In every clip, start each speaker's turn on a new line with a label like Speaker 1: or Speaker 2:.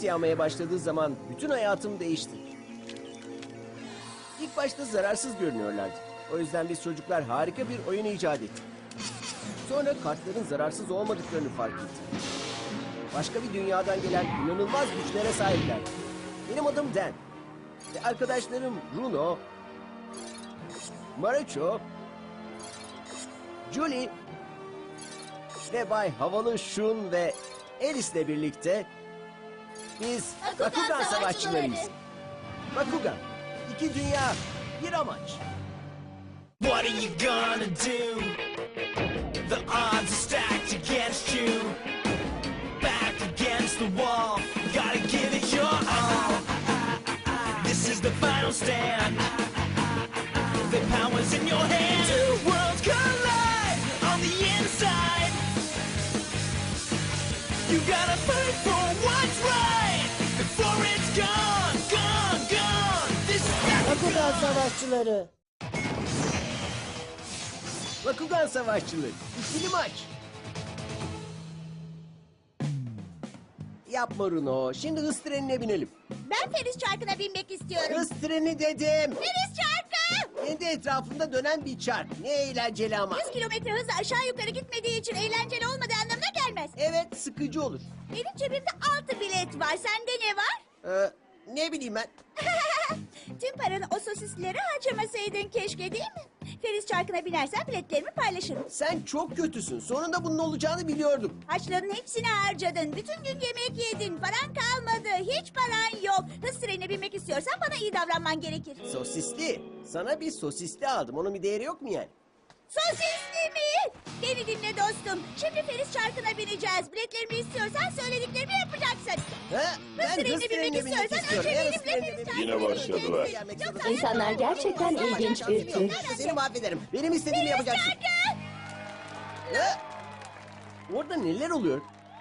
Speaker 1: yağmaya başladığı zaman bütün hayatım değişti. İlk başta zararsız görünüyorlardı. O yüzden biz çocuklar harika bir oyun icat ettik. Sonra kartların zararsız olmadıklarını fark ettik. Başka bir dünyadan gelen inanılmaz güçlere sahipler. Benim adım Dan. Ve arkadaşlarım Bruno, Marucho, Julie ve Bay Havalı Shun ve Alice'le birlikte biz Bakugan savaşçılarıyız. Bakugan, iki dünya, bir amaç.
Speaker 2: What are you gonna do? The odds are stacked against you. Back against the wall, gotta give it your all. This is the final stand. The power's in your hand. Two worlds collide on the inside. You gotta fight for what's right before it's gone, gone, gone. This is
Speaker 3: Bakugan savaşçıları.
Speaker 1: Bakugan savaşçıları, ikili maç. Yapma Runo, şimdi hız trenine binelim.
Speaker 4: Ben Feriz Çarkı'na binmek istiyorum.
Speaker 1: Hız treni dedim.
Speaker 4: Feriz Çarkı!
Speaker 1: Kendi etrafında dönen bir çark. Ne eğlenceli ama.
Speaker 4: 100 kilometre hızla aşağı yukarı gitmediği için eğlenceli olmadığı anlamına gelmez.
Speaker 1: Evet, sıkıcı olur.
Speaker 4: Benim cebimde 6 bilet var. Sende ne var?
Speaker 1: Ne bileyim ben.
Speaker 4: Tüm paranı o sosislere harcamasaydın keşke, değil mi? Feriz Çarkı'na binersen biletlerimi paylaşırım.
Speaker 1: Sen çok kötüsün. Sonunda bunun olacağını biliyordum.
Speaker 4: Harçların hepsini harcadın. Bütün gün yemek yedin. Paran kalmadı. Hiç paran yok. Hız trenine binmek istiyorsan bana iyi davranman gerekir.
Speaker 1: Sosisli. Sana bir sosisli aldım. Onun bir değeri yok mu yani?
Speaker 4: Sosisli mi? Beni dinle dostum. Şimdi Feriz Çarkı'na bineceğiz. Biletlerimi istiyorsan söylediklerimi yapacaksın.
Speaker 1: Ha? Ben hız
Speaker 4: trenine
Speaker 1: trenine
Speaker 4: binmek
Speaker 1: binmek
Speaker 4: istiyorsan
Speaker 1: istiyorum.
Speaker 4: önce
Speaker 1: Ben
Speaker 4: benimle
Speaker 1: hız trenine
Speaker 4: Feriz
Speaker 1: binmek
Speaker 4: Çarkı'na
Speaker 5: Yine başladılar.
Speaker 4: Yoksa-
Speaker 3: İnsanlar gerçekten ilginç bir tür.
Speaker 1: Seni mahvederim. Benim istediğimi yapacaksın. Ha? Orada neler oluyor?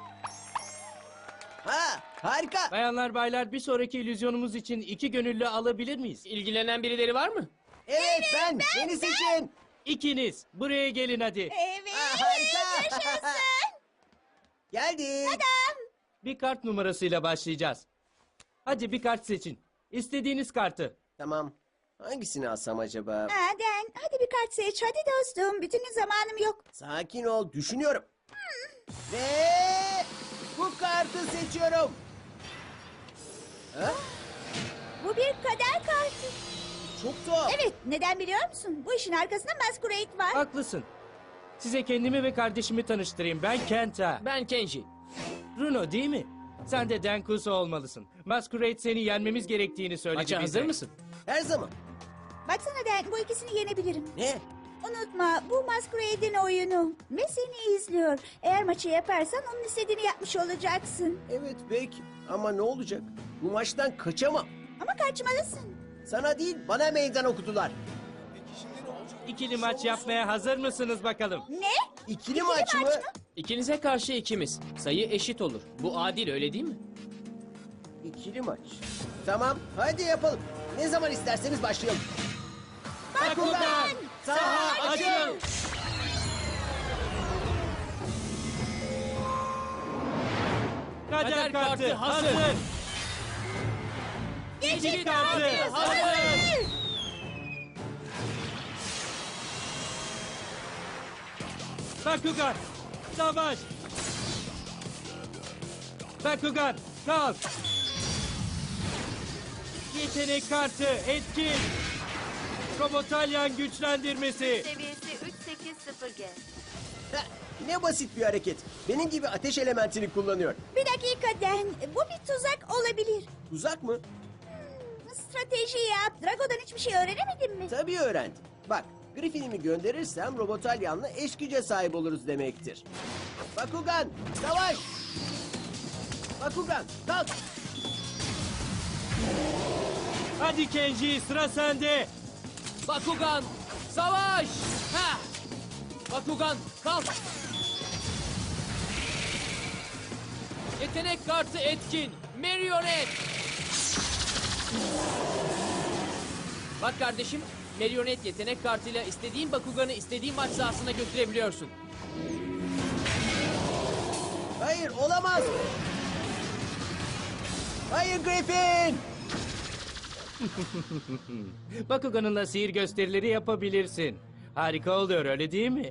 Speaker 1: Ha, harika.
Speaker 6: Bayanlar baylar bir sonraki illüzyonumuz için 2 gönüllü alabilir miyiz?
Speaker 7: İlgilenen birileri var mı?
Speaker 1: Evet, ben. Beni seçin.
Speaker 6: İkiniz buraya gelin hadi.
Speaker 4: Evet.
Speaker 1: Ha, harika.
Speaker 4: Yaşasın.
Speaker 1: Geldik.
Speaker 6: Bir kart numarasıyla başlayacağız. Hadi bir kart seçin. İstediğiniz kartı.
Speaker 1: Tamam. Hangisini alsam acaba?
Speaker 4: Aden, hadi bir kart seç. Hadi dostum. Bütün gün zamanım yok.
Speaker 1: Sakin ol, düşünüyorum. Ve bu kartı seçiyorum. Ha?
Speaker 4: Bu bir kader kartı.
Speaker 1: Çok tuhaf.
Speaker 4: Evet, neden biliyor musun? Bu işin arkasında Masquerade var.
Speaker 6: Haklısın. Size kendimi ve kardeşimi tanıştırayım. Ben Kenta.
Speaker 7: Ben Kenji.
Speaker 6: Runo değil mi? Sen de Denkuso olmalısın. Masquerade seni yenmemiz gerektiğini söyledi
Speaker 7: Maça
Speaker 6: bize.
Speaker 7: hazır mısın?
Speaker 1: Her zaman.
Speaker 4: Baksana Den, bu ikisini yenebilirim.
Speaker 1: Ne?
Speaker 4: Unutma, bu Masquerade'in oyunu. Ve seni izliyor. Eğer maçı yaparsan onun istediğini yapmış olacaksın.
Speaker 1: Evet belki. Ama ne olacak? Bu maçtan kaçamam.
Speaker 4: Ama kaçmalısın.
Speaker 1: Sana değil, bana meydan okudular.
Speaker 6: İkili maç yapmaya hazır mısınız bakalım?
Speaker 4: Ne?
Speaker 1: İkili maç mı?
Speaker 7: İkinize karşı ikimiz. Sayı eşit olur. Bu adil, öyle değil mi?
Speaker 1: İkili maç. Tamam, hadi yapalım. Ne zaman isterseniz başlayalım.
Speaker 6: Bakugan!
Speaker 1: Saha açıl!
Speaker 6: Kader kartı hazır.
Speaker 4: Geçit
Speaker 6: kartı hazır. Bakugan, savaş. Bakugan, kalk. Yetenek kartı etkin. Robotalyan güçlendirmesi.
Speaker 8: Seviyesi 380G.
Speaker 1: Ha, ne basit bir hareket. Benim gibi ateş elementini kullanıyor.
Speaker 4: Bir dakika Den, bu bir tuzak olabilir.
Speaker 1: Tuzak mı?
Speaker 4: Strateji yap. Drago'dan hiçbir şey öğrenemedin mi?
Speaker 1: Tabii öğrendim. Bak, Griffin'imi gönderirsem Robotalyan'la eş güce sahip oluruz demektir. Bakugan, savaş! Bakugan, kalk!
Speaker 6: Hadi Kenji, sıra sende.
Speaker 7: Bakugan, savaş! Ha! Bakugan, kalk! Yetenek kartı etkin. Marionet! Bak kardeşim, Marionet yetenek kartıyla istediğin Bakugan'ı istediğin maç sahasına götürebiliyorsun.
Speaker 1: Hayır, olamaz! Hayır Griffin!
Speaker 6: Bakugan'ınla sihir gösterileri yapabilirsin. Harika oluyor öyle değil mi?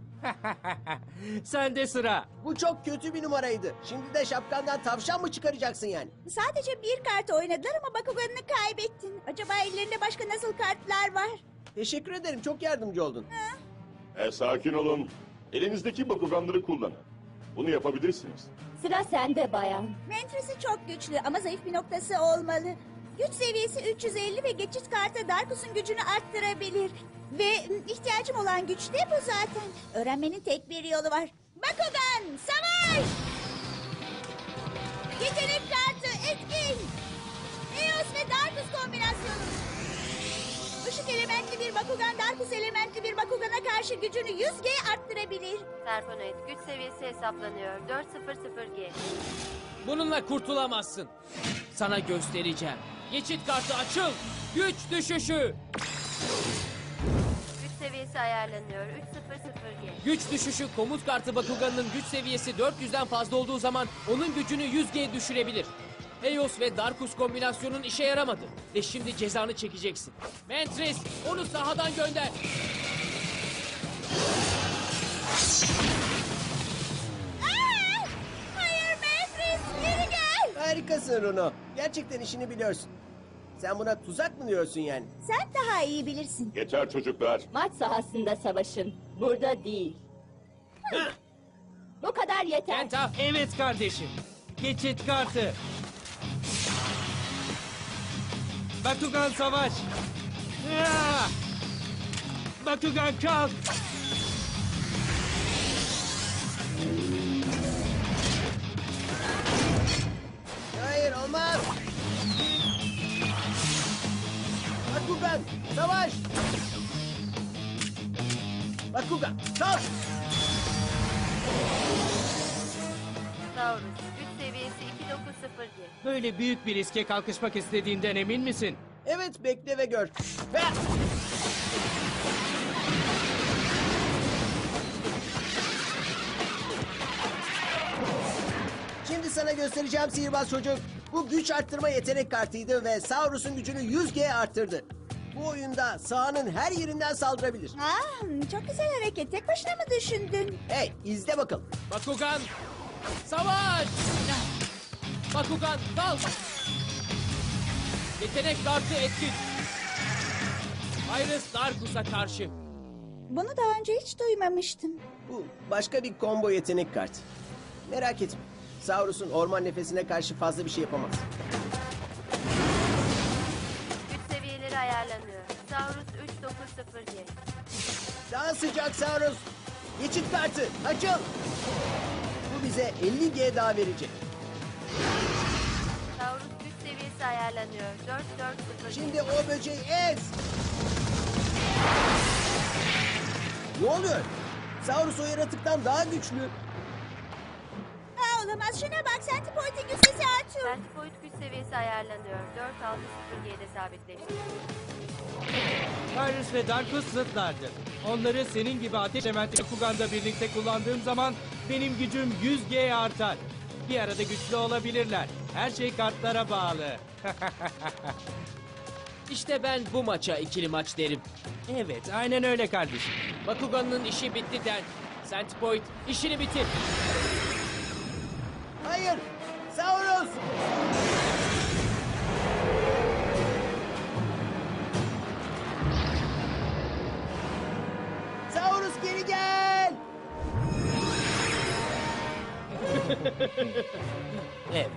Speaker 6: Sende sıra.
Speaker 1: Bu çok kötü bir numaraydı. Şimdi de şapkandan tavşan mı çıkaracaksın yani?
Speaker 4: Sadece bir kart oynadılar ama Bakugan'ını kaybettin. Acaba ellerinde başka nasıl kartlar var?
Speaker 1: Teşekkür ederim, çok yardımcı oldun.
Speaker 5: Sakin olun. Elinizdeki bakuganları kullanın. Bunu yapabilirsiniz.
Speaker 3: Sıra sende bayan.
Speaker 4: Mentresi çok güçlü ama zayıf bir noktası olmalı. Güç seviyesi 350 ve geçit kartı Darkus'un gücünü arttırabilir. Ve ihtiyacım olan güç de bu zaten. Öğrenmenin tek bir yolu var. Bakugan, savaş! Yetenek kartı etkin. Eos ve Darkus kombinasyonu. Işık elementli bir Bakugan, Darkus elementli bir Bakugan'a karşı gücünü 100G arttırabilir.
Speaker 8: Serponoid güç seviyesi hesaplanıyor. 400G.
Speaker 7: Bununla kurtulamazsın. Sana göstereceğim. Geçit kartı açıl. Güç düşüşü.
Speaker 8: Güç seviyesi ayarlanıyor. 300G.
Speaker 7: Güç düşüşü komut kartı Bakugan'ın güç seviyesi 400'den fazla olduğu zaman onun gücünü 100G düşürebilir. Eos ve Darkus kombinasyonun işe yaramadı. Ve şimdi cezanı çekeceksin. Mantris onu sahadan gönder.
Speaker 4: Aa! Hayır Mefris, geri gel.
Speaker 1: Harikasın Runo. Gerçekten işini biliyorsun. Sen buna tuzak mı diyorsun yani?
Speaker 4: Sen daha iyi bilirsin.
Speaker 5: Yeter çocuklar.
Speaker 3: Maç sahasında savaşın. Burada değil. Bu kadar yeter.
Speaker 7: Kenta
Speaker 6: Evet kardeşim. Geçit kartı. Bakugan savaş. Ya! Bakugan kalk.
Speaker 1: Hayır, olmaz. Bakugan, savaş! Bakugan, kalk!
Speaker 8: Taurus güç seviyesi 290G.
Speaker 6: Böyle büyük bir riske kalkışmak istediğinden emin misin?
Speaker 1: Evet, bekle ve gör. Ve... Şimdi sana göstereceğim sihirbaz çocuk. Bu güç arttırma yetenek kartıydı ve Saurus'un gücünü 100G arttırdı. Bu oyunda sahanın her yerinden saldırabilir.
Speaker 4: Çok güzel hareket. Tek başına mı düşündün?
Speaker 1: Hey, izle bakalım.
Speaker 7: Bakugan savaş. Bakugan kalk. Yetenek kartı etkin. Iris Darkus'a karşı.
Speaker 4: Bunu daha önce hiç duymamıştım.
Speaker 1: Bu başka bir combo yetenek kartı. Merak etme. Saurus'un orman nefesine karşı fazla bir şey yapamaz.
Speaker 8: Güç seviyeleri ayarlanıyor. Taurus 390G.
Speaker 1: Daha sıcak Saurus. Geçit kartı açıl. Bu bize 50G daha verecek.
Speaker 8: Taurus güç seviyesi ayarlanıyor. 440G.
Speaker 1: Şimdi o böceği ez. Ne oluyor? Saurus o yaratıktan daha güçlü.
Speaker 4: Olamaz. Şuna bak. Centipoid'in güç sesi artıyor.
Speaker 8: Centipoid güç seviyesi ayarlanıyor. 460G'de sabitleşti.
Speaker 6: Iris ve Darkus zıtlardır. Onları senin gibi ateş elementi Bakugan'da birlikte kullandığım zaman benim gücüm 100G artar. Bir arada güçlü olabilirler. Her şey kartlara bağlı.
Speaker 7: İşte ben bu maça ikili maç derim.
Speaker 6: Evet, aynen öyle kardeşim.
Speaker 7: Bakugan'ın işi bitti Den. Centipoid işini bitir.
Speaker 1: Hayır. Saurus. Saurus geri gel.
Speaker 6: Evet.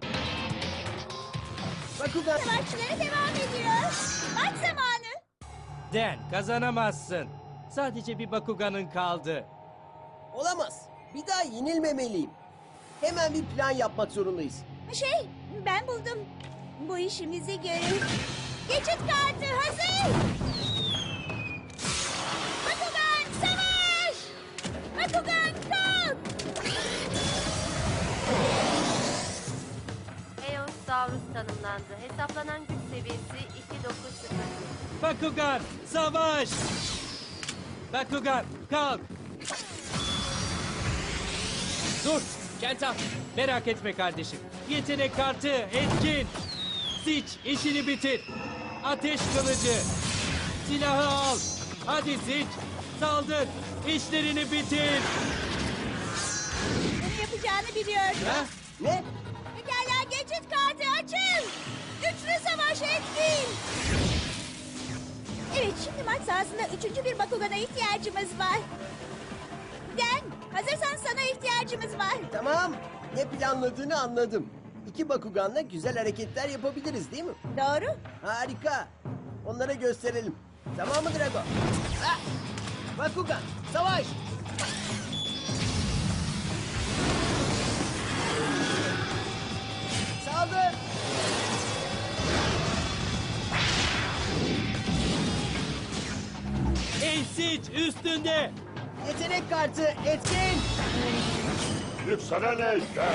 Speaker 1: Bakugan.
Speaker 4: Savaşçıları devam ediyor. Maç zamanı.
Speaker 6: Den, kazanamazsın. Sadece bir Bakugan'ın kaldı.
Speaker 1: Olamaz. Bir daha yenilmemeliyim. Hemen bir plan yapmak zorundayız.
Speaker 4: Ben buldum. Bu işimizi görür. Geçit kartı hazır. Bakugan savaş. Bakugan kalk.
Speaker 8: Eos Taurus tanımlandı. Hesaplanan güç seviyesi 290G.
Speaker 6: Bakugan, savaş! Bakugan, kalk!
Speaker 7: Dur. Kenta,
Speaker 6: Merak etme kardeşim. Yetenek kartı etkin. Siç işini bitir. Ateş kılıcı. Silahı al. Hadi Siç. Saldır. İşlerini bitir.
Speaker 4: Bunu yapacağını biliyordum.
Speaker 6: Ha?
Speaker 1: Ne?
Speaker 4: Pekala geçit kartı açın. Üçlü savaş etkin. Evet şimdi maç sahasında üçüncü bir Bakugan'a ihtiyacımız var. Den hazırsan sana ihtiyacımız var.
Speaker 1: Tamam. Ne planladığını anladım. İki Bakugan'la güzel hareketler yapabiliriz değil mi?
Speaker 4: Doğru.
Speaker 1: Harika. Onlara gösterelim. Tamam mı Drago? Ah! Bakugan, savaş! Saldır!
Speaker 6: Ey Siç üstünde.
Speaker 1: Yetenek kartı etkin!
Speaker 5: Yükselen ejder.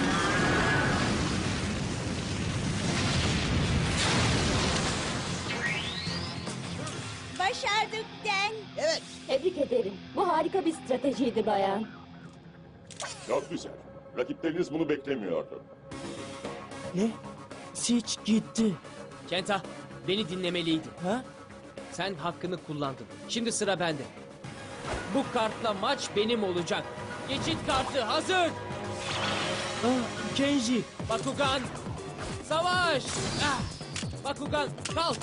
Speaker 4: Başardık Den.
Speaker 1: Evet,
Speaker 3: Tebrik ederim. Bu harika bir stratejiydi bayan.
Speaker 5: Çok güzel. Rakipleriniz bunu beklemiyordu.
Speaker 6: Ne? Siç gitti.
Speaker 7: Kenta, beni dinlemeliydin.
Speaker 6: Ha?
Speaker 7: Sen hakkını kullandın. Şimdi sıra bende. Bu kartla maç benim olacak. Geçit kartı hazır.
Speaker 6: Ah, Kenji.
Speaker 7: Bakugan, savaş. Ah! Bakugan, kalk.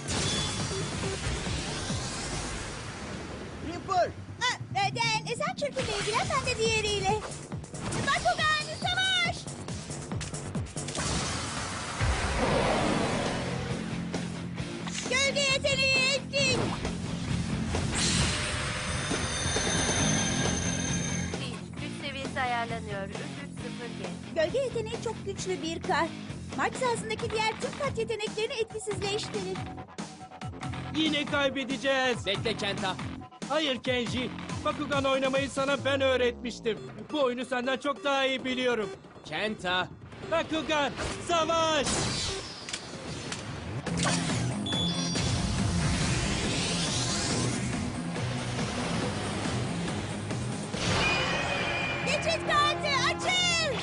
Speaker 1: Reaper!
Speaker 4: Den sen çırpınla ilgilen ben de diğeriyle. Bakugan savaş. Gölge yeteneği etkin.
Speaker 8: Siege, güç seviyesi ayarlanıyor. 330G.
Speaker 4: Gölge yeteneği çok güçlü bir kart. Maç sahasındaki diğer tüm kart yeteneklerini etkisizleştirir.
Speaker 6: Yine kaybedeceğiz.
Speaker 7: Bekle Kenta.
Speaker 6: Hayır Kenji. Bakugan oynamayı sana ben öğretmiştim. Bu oyunu senden çok daha iyi biliyorum.
Speaker 7: Kenta.
Speaker 6: Bakugan, savaş!
Speaker 4: Geçit kartı açıl.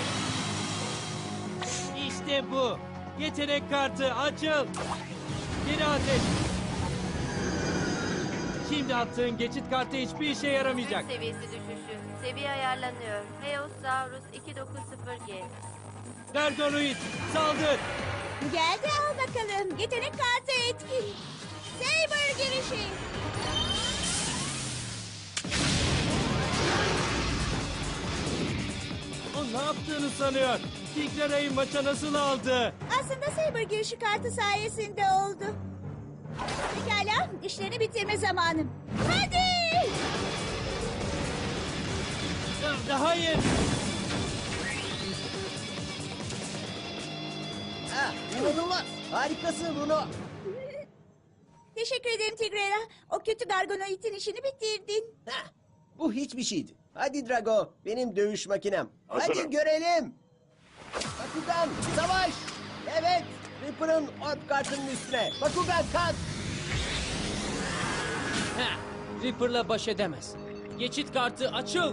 Speaker 6: İşte bu. Yetenek kartı açıl. Geri ateş. Şimdi attığın geçit kartı hiçbir işe yaramayacak.
Speaker 8: Güç seviyesi düşüşü. Seviye ayarlanıyor. Heosaurus 290G.
Speaker 6: Gargonoid, saldır.
Speaker 4: Geldi al bakalım. Yetenek kartı etkin. Saber girişi.
Speaker 6: O ne yaptığını sanıyor. Tigrera'yı maça nasıl aldı?
Speaker 4: Aslında Saber girişi kartı sayesinde oldu. Pekala işlerini bitirme zamanım. Hadi.
Speaker 6: Hayır.
Speaker 1: Ah, inanılmaz! Harikasın Bruno!
Speaker 4: Teşekkür ederim Tigrera. O kötü Gargonoid'in işini bitirdin.
Speaker 1: Heh, bu hiçbir şeydi. Hadi Drago, benim dövüş makinem.
Speaker 5: Hazırım.
Speaker 1: Hadi görelim! Bakugan, savaş! Evet, Reaper'ın orb kartının üstüne. Bakugan kalk!
Speaker 7: Heh, Reaper'la baş edemez. Geçit kartı açıl.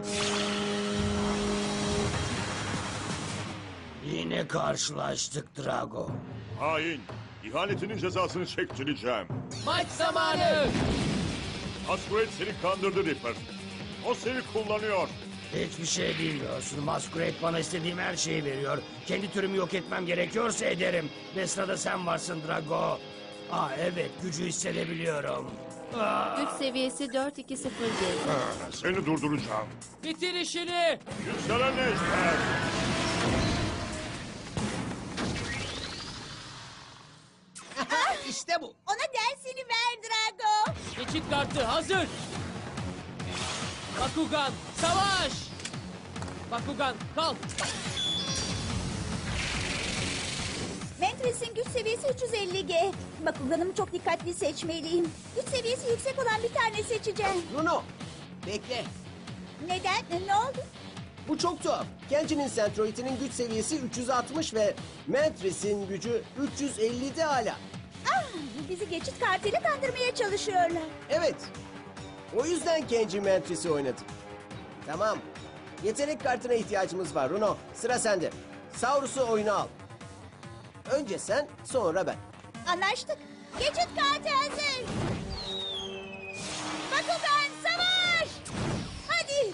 Speaker 9: Yine karşılaştık Drago.
Speaker 5: Hain. İhanetinin cezasını çektireceğim.
Speaker 7: Maç zamanı.
Speaker 5: Masquerade seni kandırdı Reaper. O seni kullanıyor.
Speaker 9: Hiçbir şey bilmiyorsun. Masquerade bana istediğim her şeyi veriyor. Kendi türümü yok etmem gerekiyorsa ederim. Ve sırada sen varsın Drago. Aa evet gücü hissedebiliyorum.
Speaker 8: Güç seviyesi 420G.
Speaker 5: Seni durduracağım.
Speaker 7: Bitir işini.
Speaker 5: Yükselen ejder.
Speaker 1: İşte bu.
Speaker 4: Ona dersini ver Drago.
Speaker 7: Geçit kartı hazır. Bakugan, savaş. Bakugan, kalk.
Speaker 4: Ventress'in güç seviyesi 350G. Bakuganımı çok dikkatli seçmeliyim. Güç seviyesi yüksek olan bir tane seçeceğim.
Speaker 1: Bruno, bekle.
Speaker 4: Neden? Ne oldu?
Speaker 1: Bu çok tuhaf. Kenji'nin Centroid'inin güç seviyesi 360 ve Mantris'in gücü 350'de hala.
Speaker 4: Ah, bizi geçit kartıyla kandırmaya çalışıyorlar.
Speaker 1: Evet. O yüzden Kenji Mantris'i oynadı. Tamam. Yetenek kartına ihtiyacımız var Runo. Sıra sende. Saurus'u oyuna al. Önce sen, sonra ben.
Speaker 4: Anlaştık. Geçit kartı hazır. Bakugan savaş. Hadi.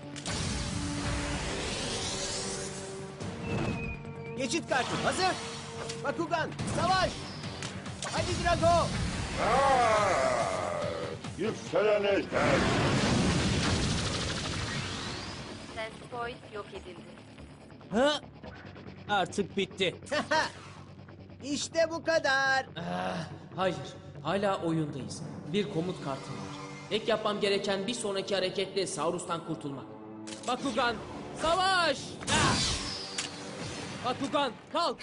Speaker 1: Geçit kartı hazır. Bakugan, savaş. Hadi Drago.
Speaker 5: Yükselen ejder.
Speaker 8: Sensipoid yok edildi.
Speaker 7: Ha? Artık bitti.
Speaker 1: İşte bu kadar.
Speaker 7: Hayır, hala oyundayız. Bir komut kartım var. Tek yapmam gereken bir sonraki hareketle Saurus'tan kurtulmak. Bakugan, savaş! Ah! Bakugan, kalk!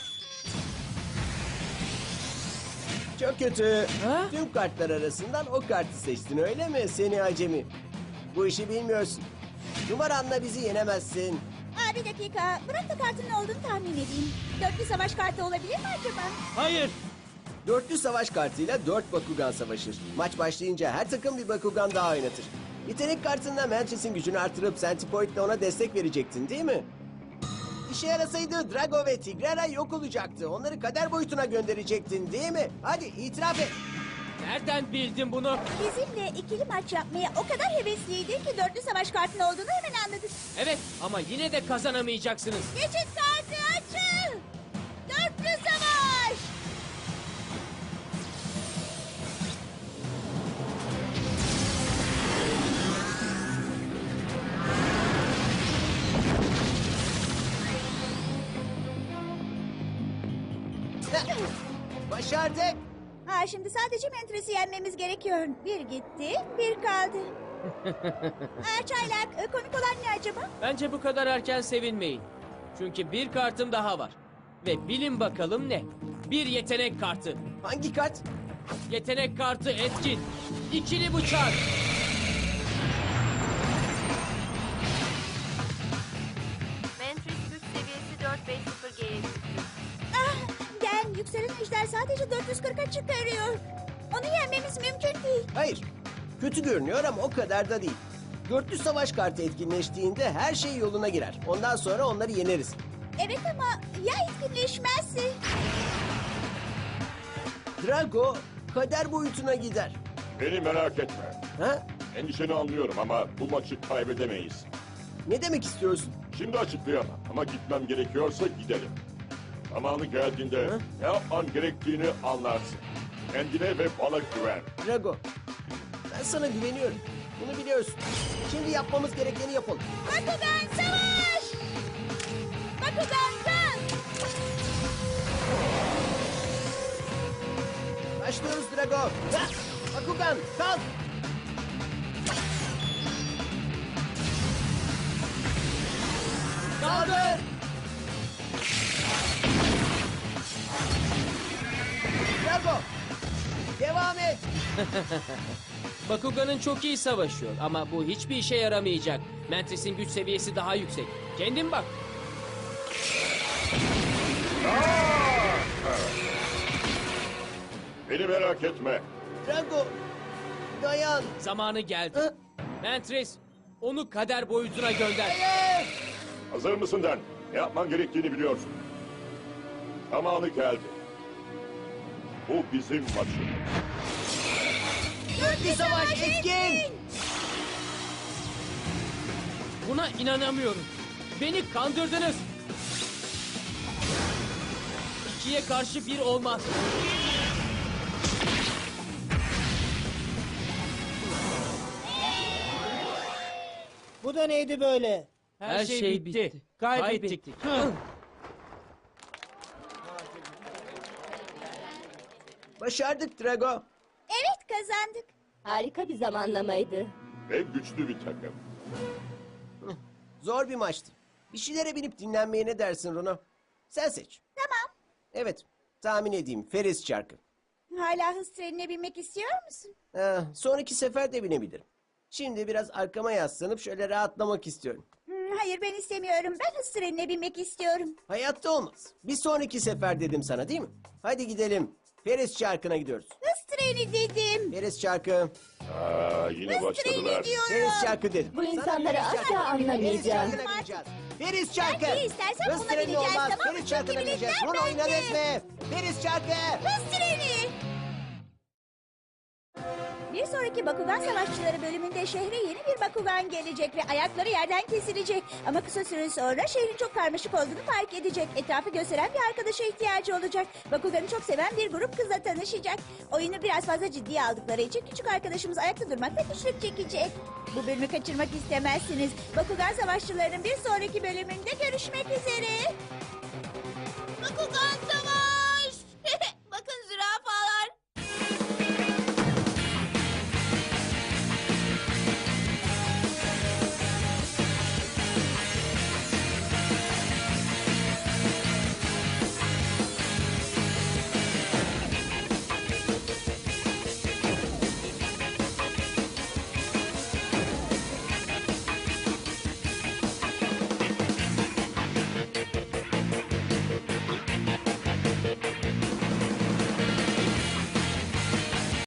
Speaker 1: Çok kötü.
Speaker 7: Ha?
Speaker 1: Tüm kartlar arasından o kartı seçtin öyle mi seni acemi? Bu işi bilmiyorsun. Numaranla bizi yenemezsin.
Speaker 4: Aa, bir dakika. Bırak da kartın ne olduğunu tahmin edeyim. Dörtlü savaş kartı olabilir mi acaba?
Speaker 6: Hayır.
Speaker 1: Dörtlü savaş kartıyla 4 Bakugan savaşır. Maç başlayınca her takım bir Bakugan daha oynatır. Yetenek kartında Mantris'in gücünü artırıp Centipoid'le ona destek verecektin değil mi? İşe yarasaydı Drago ve Tigrera yok olacaktı. Onları kader boyutuna gönderecektin değil mi? Hadi itiraf et.
Speaker 7: Nereden bildin bunu?
Speaker 4: Bizimle ikili maç yapmaya o kadar hevesliydin ki dörtlü savaş kartının olduğunu hemen anladık.
Speaker 7: Evet, ama yine de kazanamayacaksınız.
Speaker 4: Geçit kartı açıl. Dörtlü savaş.
Speaker 1: Başardık.
Speaker 4: Ha, şimdi sadece Mantris'i yenmemiz gerekiyor. Bir gitti, bir kaldı. Çaylak, komik olan ne acaba?
Speaker 7: Bence bu kadar erken sevinmeyin. Çünkü bir kartım daha var. Ve bilin bakalım ne? Bir yetenek kartı.
Speaker 1: Hangi kart?
Speaker 7: Yetenek kartı etkin. İkili bıçak.
Speaker 8: Mantris güç seviyesi 450G'ye düştü.
Speaker 4: Ah, gel, yükselen ejder sadece 440'a çıkarıyor. Onu yenmemiz mümkün değil.
Speaker 1: Hayır. Kötü görünüyor ama o kadar da değil. Dörtlü savaş kartı etkinleştiğinde her şey yoluna girer. Ondan sonra onları yeneriz.
Speaker 4: Evet ama ya etkinleşmezse?
Speaker 1: Drago kader boyutuna gider.
Speaker 5: Beni merak etme.
Speaker 1: Ha?
Speaker 5: Endişeni anlıyorum ama bu maçı kaybedemeyiz.
Speaker 1: Ne demek istiyorsun?
Speaker 5: Şimdi açıklayamam ama gitmem gerekiyorsa gidelim. Zamanı geldiğinde ne yapman gerektiğini anlarsın. Kendine ve bana güven.
Speaker 1: Drago, ben sana güveniyorum. Bunu biliyorsun. Şimdi yapmamız gerekeni yapalım.
Speaker 4: Bakugan savaş! Bakugan kalk!
Speaker 1: Başlıyoruz Drago. Ha! Bakugan kalk. Kaldır. Drago, devam et.
Speaker 7: Bakugan'ın çok iyi savaşıyor ama bu hiçbir işe yaramayacak. Mantris'in güç seviyesi daha yüksek. Kendin bak.
Speaker 5: Beni merak etme.
Speaker 1: Drago, dayan.
Speaker 7: Zamanı geldi.
Speaker 1: Ha?
Speaker 7: Mantris, onu kader boyutuna gönder.
Speaker 1: Hayır.
Speaker 5: Hazır mısın Den? Ne yapman gerektiğini biliyorsun. Zamanı geldi. Bu bizim maçımız.
Speaker 1: Dörtlü savaş etkin.
Speaker 7: Buna inanamıyorum. Beni kandırdınız. İkiye karşı bir olmaz.
Speaker 6: Bu da neydi böyle?
Speaker 7: Her şey bitti.
Speaker 6: Kaybettik.
Speaker 1: Başardık Drago.
Speaker 4: Evet, kazandık.
Speaker 3: Harika bir zamanlamaydı.
Speaker 5: Ve güçlü bir takım.
Speaker 1: Zor bir maçtı. Bir şeylere binip dinlenmeye ne dersin Runo? Sen seç.
Speaker 4: Tamam.
Speaker 1: Evet, tahmin edeyim. Feris çarkı.
Speaker 4: Hala hız trenine binmek istiyor musun?
Speaker 1: Sonraki sefer de binebilirim. Şimdi biraz arkama yaslanıp şöyle rahatlamak istiyorum.
Speaker 4: Hayır, ben istemiyorum. Ben hız trenine binmek istiyorum.
Speaker 1: Hayatta olmaz. Bir sonraki sefer dedim sana değil mi? Hadi gidelim. Feris çarkına gidiyoruz.
Speaker 4: Hız treni dedim.
Speaker 1: Feris çarkı.
Speaker 5: Yine başladılar.
Speaker 1: Feriz çarkı dedim.
Speaker 3: Bu
Speaker 1: Sana
Speaker 3: insanları
Speaker 1: Feriz
Speaker 3: asla
Speaker 1: çarkı.
Speaker 3: anlamayacağım.
Speaker 1: Feriz çarkına bineceğiz. Feriz çarkı.
Speaker 4: Ben de istersen
Speaker 1: Hız
Speaker 4: buna
Speaker 1: treni
Speaker 4: bineceğiz,
Speaker 1: olmaz.
Speaker 4: tamam mı?
Speaker 1: Feriz çarkına
Speaker 4: Çünkü
Speaker 1: bineceğiz.
Speaker 4: biletler
Speaker 1: Bunu
Speaker 4: bende.
Speaker 1: oynadınız mı? Feriz çarkı.
Speaker 4: Hız treni! Bir sonraki Bakugan Savaşçıları bölümünde şehre yeni bir Bakugan gelecek ve ayakları yerden kesilecek. Ama kısa süre sonra şehrin çok karmaşık olduğunu fark edecek. Etrafı gösteren bir arkadaşa ihtiyacı olacak. Bakugan'ı çok seven bir grup kızla tanışacak. Oyunu biraz fazla ciddiye aldıkları için küçük arkadaşımız ayakta durmakta güçlük çekecek. Bu bölümü kaçırmak istemezsiniz. Bakugan Savaşçıları'nın bir sonraki bölümünde görüşmek üzere.